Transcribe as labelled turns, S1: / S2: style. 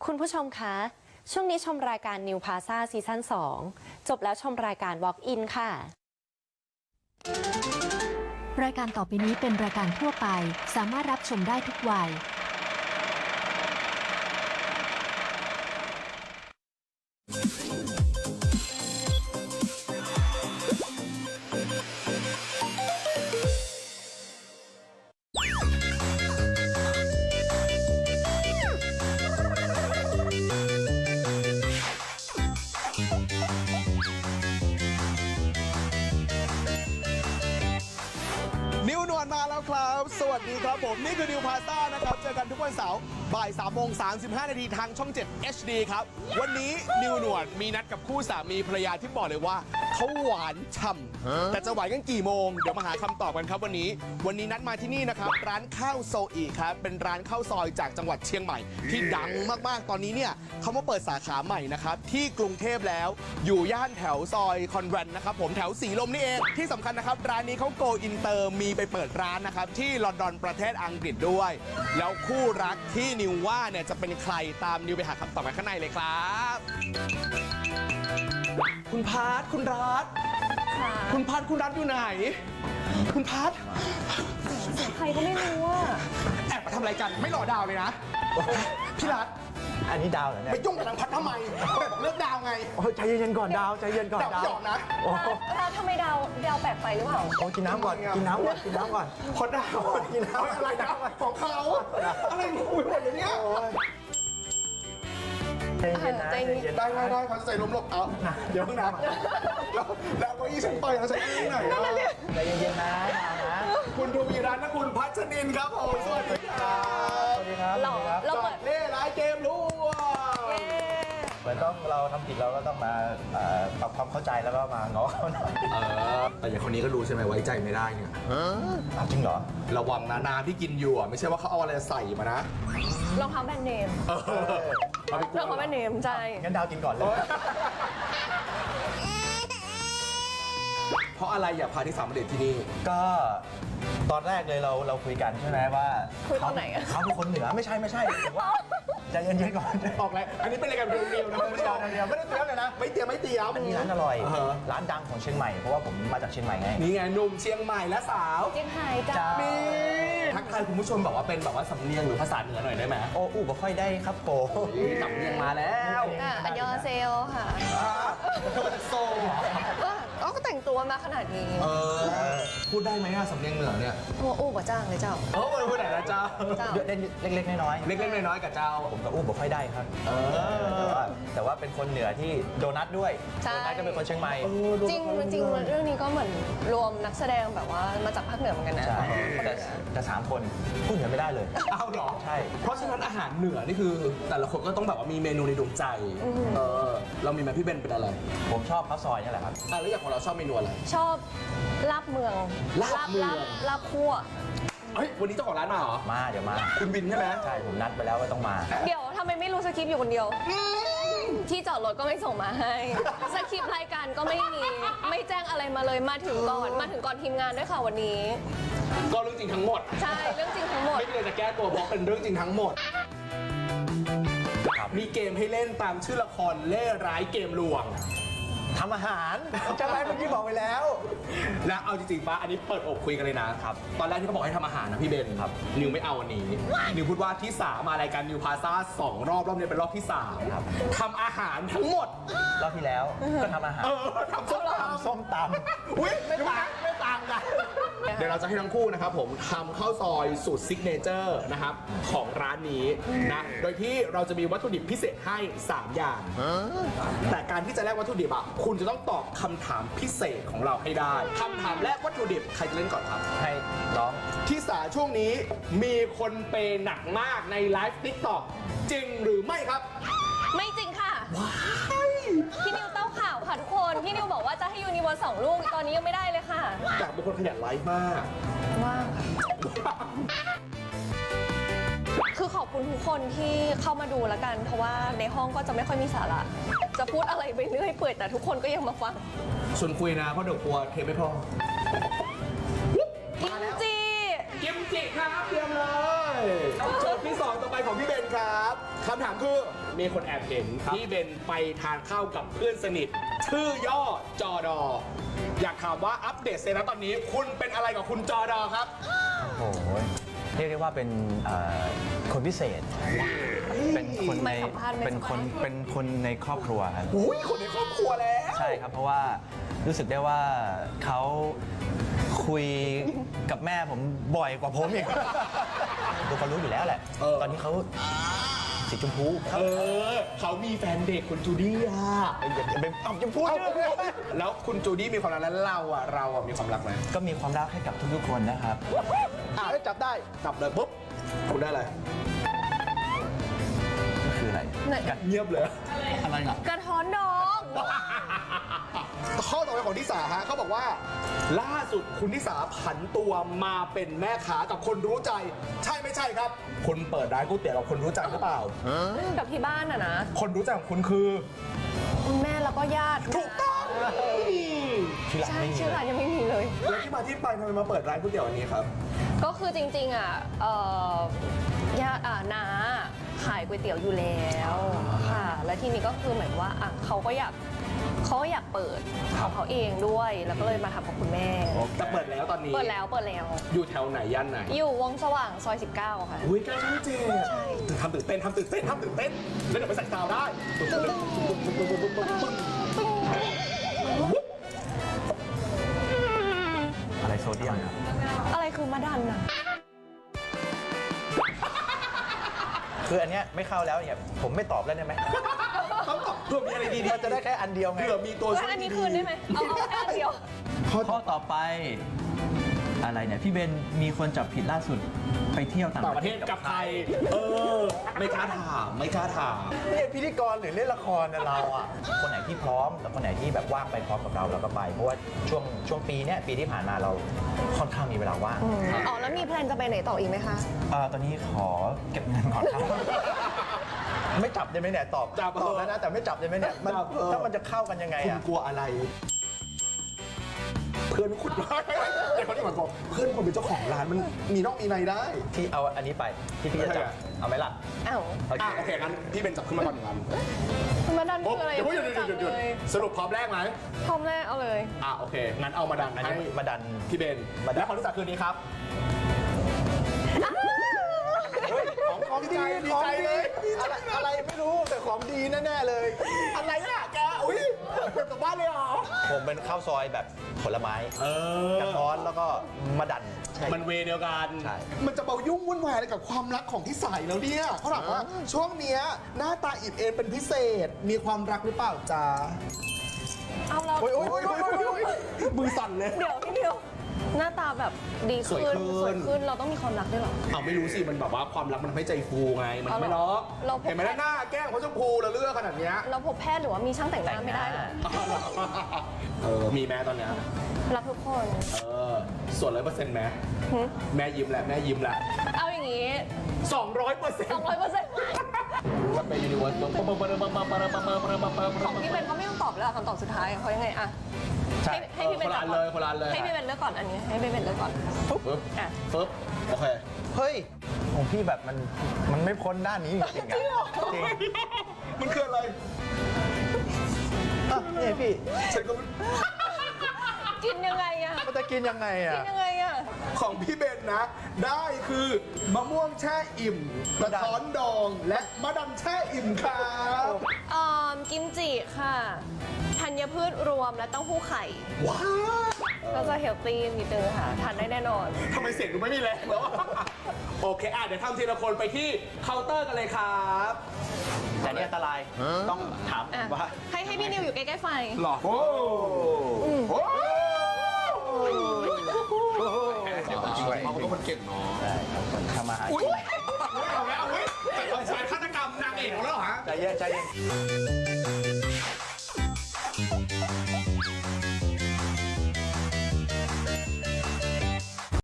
S1: คุณผู้ชมคะช่วงนี้ชมรายการ New Plaza ซีซั่น 2 จบแล้วชมรายการ Walk In ค่ะ
S2: รายการต่อไปนี้เป็นรายการทั่วไปสามารถรับชมได้ทุกวัย
S3: นิวนวลมาแล้วครับ สวัสดีครับผม นี่คือนิวพาซ่านะครับ เจอกันทุกวันเสาร์บ่าย3:35 นาทีทางช่อง 7 HD ครับ วันนี้นิวนวลมีนัดกับคู่สามีภรรยาที่บอกเลยว่าเขาหวานฉ่ำแต่จะหวานกันกี่โมง เดี๋ยวมาหาคำตอบกันครับวันนี้นัดมาที่นี่นะครับ ร้านข้าวโซอีครับ เป็นร้านข้าวซอยจากจังหวัดเชียงใหม่ ที่ดังมากๆ ตอนนี้เนี่ยเขามาเปิดสาขาใหม่นะครับที่กรุงเทพแล้วอยู่ย่านแถวซอยคอนแวนต์นะครับผมแถวสีลมนี่เองที่สำคัญนะครับร้านนี้เขาโกอินเตอร์มีไปเปิดร้านนะครับที่ลอนดอนประเทศอังกฤษด้วย แล้วคู่รักที่นิวว่าเนี่ยจะเป็นใครตามนิวไปหาคำตอบกันข้างในเลยครับคุณพาร์ทคุณรัฐคุณพาร์ทคุณรัฐอยู่ไหนคุณพาร์ท
S1: ใครก็ไม่รู้ว่า
S3: แอบมาทำอะไรกันไม่รอดาวเลยนะพี่รัฐ
S4: อันนี้ดาวเหรอเนี่ย
S3: ไปยุ่งกับนางพัดทำไมแบบเลือกดาวไง
S4: ใจเย็นๆก่อนดาวใจเย็นก่อนดาว
S3: หยอกนะ
S1: แล้วทำไมดาวแปลกไปหรือเปล่า
S4: กินน้ำก่อนกินน้ำก่อนกินน้ำก่อน
S3: พอดาวกินน้ำอะไรดาวของเขาอะไรงงไปหมดเลยเนี่ย
S4: ใจเย็นนะใจเย็น
S3: ได้เขาใส่ลมหลบเอาเดี๋ยวนะแล้วก็ยี่ฉันไปแล้วใส่ที่ไหน
S4: ใจเย็นๆนะ
S3: คุณทูวีรัตน์และคุณพัชรินครับผมสวัสดีครับ
S4: สวัสดีครับ
S1: เราเปิด
S3: เล่ร้ายเกมรู้
S4: เหมือนต้องเราทำผิดเราก็ต้องมาปรับความเข้าใจแล้วก็มาง้อเขาหน่อย
S3: แต่อย่างคนนี้ก็รู้ใช่ไหมไว้ใจไม่ได้เนี่ย
S4: จริงเหรอ
S3: ระวังนะน้ำที่กินอยู่ไม่ใช่ว่าเขาเอาอะไรใส่มานะ
S1: รองเท้าแบรนด์เนมรองเท้าแบรนด์เนมใช่
S4: งั้นดาวกินก่อนเลย
S3: เพราะอะไรอยากพาที่สามประเด็นที่นี่
S4: ก็ตอนแรกเลยเราคุยกันใช่ไหมว่า
S1: คุยตอนไหน
S4: เขาเป็นคนเหนือไม่ใช่ว่าใจเย็นๆก่อน
S3: ออกแล้วอันนี้เป็นอะไรกันเดียวนะ
S4: ไม่ได้เตรียมเลยนะ
S3: ไม่เตรียมอั
S4: นนี้ร้านอร่อยร้านดังของเชียงใหม่เพราะว่าผมมาจากเชียงใหม่ไง
S3: นี่ไงหนุ่มเชียงใหม่และสาว
S1: เชียงไฮ้จ้า
S3: ทักทายคุณผู้ชมบอกว่าเป็นแบบว่าสำเนียงหรือภาษาเหนือหน่อยได้ไหม
S4: โอ้บ่ค่อยได้ครับโป
S3: สำเนียงมาแล้ว
S1: อันยอเซลค่ะ
S3: โซ
S1: ก็แต่งตัวมาขนาดนี้
S3: พูดได้ไหมอะสำเนียงเหนือเนี่ย
S1: อู้กับจ้างเลยเจ้า
S3: พูดไหนนะเจ้า
S4: เล็กๆน้อย
S3: ๆเล็กๆน้อยๆกับเจ้า
S4: ผมกับอู้บ่ค่อยได้ครับแต่ว่าเป็นคนเหนือที่โดนัทด้วยโดนัทก็เป็นคนเชียงใหม่
S1: จริงเรื่องนี้ก็เหมือนรวมนักแสดงแบบว่ามาจากภาคเหนือเหมือนกันนะ
S4: ใช่แต่3 คนพูดเหนือไม่ได้เลย
S3: เอาหรอ
S4: ใช่
S3: เพราะฉะนั้นอาหารเหนือนี่คือแต่ละคนก็ต้องแบบว่ามีเมนูในดวงใจเรามีไหมพี่เบนเป็นอะไร
S4: ผมชอบข้าวซอยนี่แหละครับ
S3: แล้วอย่างของเราชอบเมนูอะไร
S1: ชอบลาบเมืองลาบคั่ว
S3: เฮ้ยวันนี้เจ้าของร้านมาเหรอ
S4: เดี๋ยวมา
S3: คุณบินใช่ไหม
S4: ใช่ผมนัดไปแล้วว่าต้องมา
S1: เดี๋ยวทำไมไม่รู้สคริปต์อยู่คนเดียวที่จอดรถก็ไม่ส่งมาให้สคริปต์รายการก็ไม่มีไม่แจ้งอะไรมาเลยมาถึงก่อนทีมงานด้วยค่ะวันนี้
S3: ก็เรื่องจริงทั้งหมด
S1: ใช่เรื่องจริงทั้งหมด
S3: ไม่เลยจะแก้ตัวเพราะเป็นเรื่องจริงทั้งหมดมีเกมให้เล่นตามชื่อละครเล่ร้ายเกมลวง
S4: ทำอาหารจะไรเมื่อกี้บอกไปแล้ว
S3: แล้วเอาจริงๆป่ะอันนี้เปิดอกคุยกันเลยนะครับตอนแรกที่เขาบอกให้ทำอาหารนะพี่เบน
S4: ครับ
S3: นิวไม่เอาวันนี้นิวพูดว่าที่3มารายการนิวพาซ่า2 รอบนี้เป็นรอบที่3
S4: ครับ
S3: ทำอาหารทั้งหมด
S4: รอบที่แล้วก็ทำอาหาร
S3: ทำ
S4: ส้มตำ
S3: อุ้ยไม่ต่างกันเดี๋ยวเราจะให้ทั้งคู่นะครับผมทำข้าวซอยสูตรซิกเนเจอร์นะครับของร้านนี้นะโดยที่เราจะมีวัตถุดิบพิเศษให้3 อย่างแต่การที่จะแลกวัตถุดิบคุณจะต้องตอบคำถามพิเศษของเราให้ได้คำถามแรกวัตถุดิบใครจะเล่นก่อนครับ
S4: ให้น้อง
S3: ที่สาช่วงนี้มีคนเปย์หนักมากในไลฟ์ติ๊กต็อกจริงหรือไม่ครับ
S1: ไม่จริงค่ะพี่นิวเต้าข่าวค่ะทุกคนพี่นิวบอกว่าจะให้ยูนิเวอร์ส2 ลูกตอนนี้ยังไม่ได้เลยค่ะ
S3: แต่เป็นคนขยันไลฟ์มาก
S1: ว่างคือขอบคุณทุกคนที่เข้ามาดูแล้วกันเพราะว่าในห้องก็จะไม่ค่อยมีสาระจะพูดอะไรไปเรื่อยเปื่อยแต่ทุกคนก็ยังมาฟัง
S3: ชวนคุยนะเพราะเดี๋ยวกลัวเทปไม่พอ
S1: กิมจิ
S3: ครับเตรียมเลยโจทย์ที่2ต่อไปของพี่เบนครับคำถามคือมีคนแอบเห็นที่เบนไปทานข้าวกับเพื่อนสนิท ชื่อย่อจอดอ อยากถามว่าอัปเดตเซนะตอนนี้คุณเป็นอะไรกับคุณจอดอครับ
S4: โอ้โหเรียกได้ว่าเป็นคนพิเศษ เป็นคนใน
S1: ไม่สัมภาษณ์ไม่
S4: เป็นคน
S1: สัมภาษณ์
S4: เป็นคนในครอบครัวครับ
S3: อุ้ยคนในครอบครัวแล้ว
S4: ใช่ครับ เพราะว่ารู้สึกได้ว่าเขาคุยกับแม่ผมบ่อยกว่าผมอีกตัวเขารู้อยู่แล้วแหละ ตอนนี้เขาสีชมพูครับ
S3: เขามีแฟนเด็กคุณจูดี้อะ
S4: อย่าไปเอาจะพูด
S3: แล้วคุณจูดี้มีความรักแล้วเราอะมีความรักไหม
S4: ก็มีความรักให้กับทุกๆคนนะครับ
S3: จับได้จับเลยปุ๊บคุณได้อะไร
S4: ก็คืออะไร
S1: ไหน
S3: เงียบเลย
S4: อะไรอ่ะ
S1: กระท้อนดอง
S3: ข้อต่อไปของทิสาฮะเขาบอกว่า ล่าสุดคุณทิสาผันตัวมาเป็นแม่ค้ากับคนรู้ใจ ใช่ไม่ใช่ครับ คุณเปิดร้านก๋วยเตี๋ยวกับคนรู้ใจหรือเปล่า
S1: กับที่บ้านอะนะ
S3: คนรู้ใจของคุณคือ
S1: คุณแม่แล้วก็ญาติ
S3: ถูกต้อง
S4: ที่หลัง
S1: ใช่
S4: ไม่มี
S1: ชื่อ
S4: เล
S1: ร้าน
S4: ย
S1: ยังไม่มีเลย
S3: แล้วที่มาที่ไปทำไมมาเปิดร้านก๋วยเตี๋ยวอันนี้ครับ
S1: ก็คือจริงๆอ่ะญาติน้าขายก๋วยเตี๋ยวอยู่แล้วค่ะ แล้วทีนี้ก็คือเหมือนว่าอ่ะเขาก็อยากเปิดของเขาเองด้วย แล้วก็เลยมาทำกับคุณแม่
S3: จะเปิดแล้วตอนนี้
S1: เปิดแล้ว
S3: อยู่แถวไหนย่านไหน
S1: อยู่วงสว่างซอย 19 ค่ะ
S3: อุ้ยใกล้ช่องเจ็ดทำตื่นเต้นแล้วเดี๋ยวไปใส่ซาวได้
S4: อะไรโซเดียมครับ
S1: อะไรคือมาดันอ่ะ
S4: คืออันเนี้ยไม่เข้าแล้วเนี่ยผมไม่ตอบแล้วได้ไหม
S3: ต้องตอบเพื่อมีอะไรดี
S4: มันจะได้แค่อันเดียวไง
S3: เผื่อมีตัวช่วย
S1: อันนี้คืนได้ไหมเอาแค่อันเดียว
S5: ข้อต่อไปอะไรเนี่ย พี่เบนมีคนจับผิดล่าสุดไปเที่ยวต่าง
S3: ต่างประเทศกับใครไม่กล้าถาม
S4: เนี่ยพิธีกรหรือเล่นละครนะเราอ่ะ คนไหนที่พร้อมแล้วคนไหนที่แบบว่างไปพร้อมกับเราก็ไป เพราะว่าช่วงปีเนี้ยปีที่ผ่านมาเราค่อนข้างมีเวลาว่าง
S1: อ๋อ แล้วมีแพลนจะไปไหนต่ออีกไหมคะ
S4: ตอนนี้ขอเก็บเงินก่อนครับ ไม่จับได้ไหมเนี่ยตอบแล้วนะแต่ไม่จับได้ไหมเนี่ยมันถ้ามันจะเข้ากันยังไง
S3: คุณ
S4: อ่ะ
S3: กลัวอะไร เพื่อนคุณเดี๋ยวเขาที่มันบอกเพื่อนคนเป็นเจ้าของร้านมันมีนอกมีในได้
S4: ที่เอาอันนี้ไปที่พี่จะจับเอาไหมล่ะ
S1: อ้าว
S4: โอเค
S3: โอเคงั้นพี่เป็นจับขึ้นมาก่อนหนึ่งอัน
S1: มาดัน
S3: ปุ๊บ
S1: คืออะไร
S3: เดี๋ยวพูดหยุด
S1: จับเลย
S3: สรุปพร้อมแรกไหม
S1: พร้อมแรกเอาเลย
S3: โอเคงั้นเอามาดัน
S4: อัน
S3: ให้
S4: นี้มาดัน
S3: พี่เบนและคนที่จับคืนนี้ครับของดีดีใจเลย
S4: อะไรไม่รู้แต่ของดีแน่ๆเลย
S3: อะไรอ่ะแกอุ้ยเป็นกลับบ้านเลยเหรอ
S4: ผมเป็นข้าวซอยแบบผลไม้กระท้อนแล้วก็มะดัน
S3: มันเวเดียวกัน
S4: ใช่
S3: มันจะเบายุ่งวุ่นวายอะไรกับความรักของที่ใส่แล้วเนี่ยเขาถามว่าช่วงเนี้ยหน้าตาอิ่มเอมเป็นพิเศษ มีความรักหรือเปล่าจ๊ะ
S1: เอาแล้ว
S3: โอ้ยมือสั่นเลย
S1: เดี๋ยวพี่เดียว หน้าตาแบบดี
S3: สวย
S1: ขึ้น
S3: ขึ้น
S1: สวยขึ้น เราต้องมีความรักด้วยเหรอ
S3: เอาไม่รู้สิ มันแบบว่าความรักมันทำให้ใจฟูไง มันไม่ล็อก
S1: เราพบ
S3: เห็นไหมหน้าแก้มเขาชมพูแล้วเลือกขนาดเนี้ย
S1: เราพบแพทย์หรือว่ามีช่างแต่งหน้าไม่ได้เหรอ
S3: มีแม่ตอนเนี้ย
S1: รักทุกคน
S3: ส่วน100%แม่
S1: หึ
S3: แม่ยิ้มแหละแม่ยิ้มแหละ
S1: เอาอย่างงี้
S3: 200%
S1: 200%
S3: จะไปยูนิเวิร์ส
S1: ของพี่เบนก็ไม่ต้องตอบแล้วคำตอบสุดท้ายเพราะยังไงอะ
S4: ใช่
S1: ให้พี่เบน
S3: คนละอันเลยคนละอันเลย
S1: ให้พี่เบนเลือกก่อนอันนี้ ให้พี่เบนเลือกก่อน
S3: ปึ๊บ
S1: อ่ะ
S3: ปึ๊บโอเค
S4: เฮ้ยของพี่แบบมันไม่พ้นด้านนี้จริงๆอ่ะจริง
S3: มันคืออะไร
S4: นี่พี่
S3: ฉันก็
S1: กินยังไงอะ
S4: มันจะกินยังไง
S1: กิ
S4: อ่ะ
S1: นยังไงอะ
S3: ของพี่เบนนะ ได้คือมะม่วงแช่อิ่มกระท้อนดอง และมะดันแช่อิ่มครับ
S1: กิมจิค่ะ ธัญพืชรวมและเต้าหู้ไข่
S3: ว้าว
S1: ก็จะเฮลตี้นิดนึงค่ะ ทานได้แน่นอน
S3: ทำไมเสียงดูไม่มีแรงแล้วอะโอเคเดี๋ยวทำทีละคนไปที่เคาน์เตอร์กันเลยครับ
S4: แต่นี่อันตรายต้องถาม
S1: อ่ะ
S4: ว่า
S1: ให้พี่นิวอยู่ใกล้ๆไฟ
S3: หรอโอ้โหเขาเป็นคนเก่งเนาะ
S4: ได้ครับคนทำมาหา
S3: อุ้ย
S4: กิน
S3: เอาไว้เอาไว้แต่คนชายฆาตกรรมนางเอกของเราเหรอฮะ
S4: ใจเย็น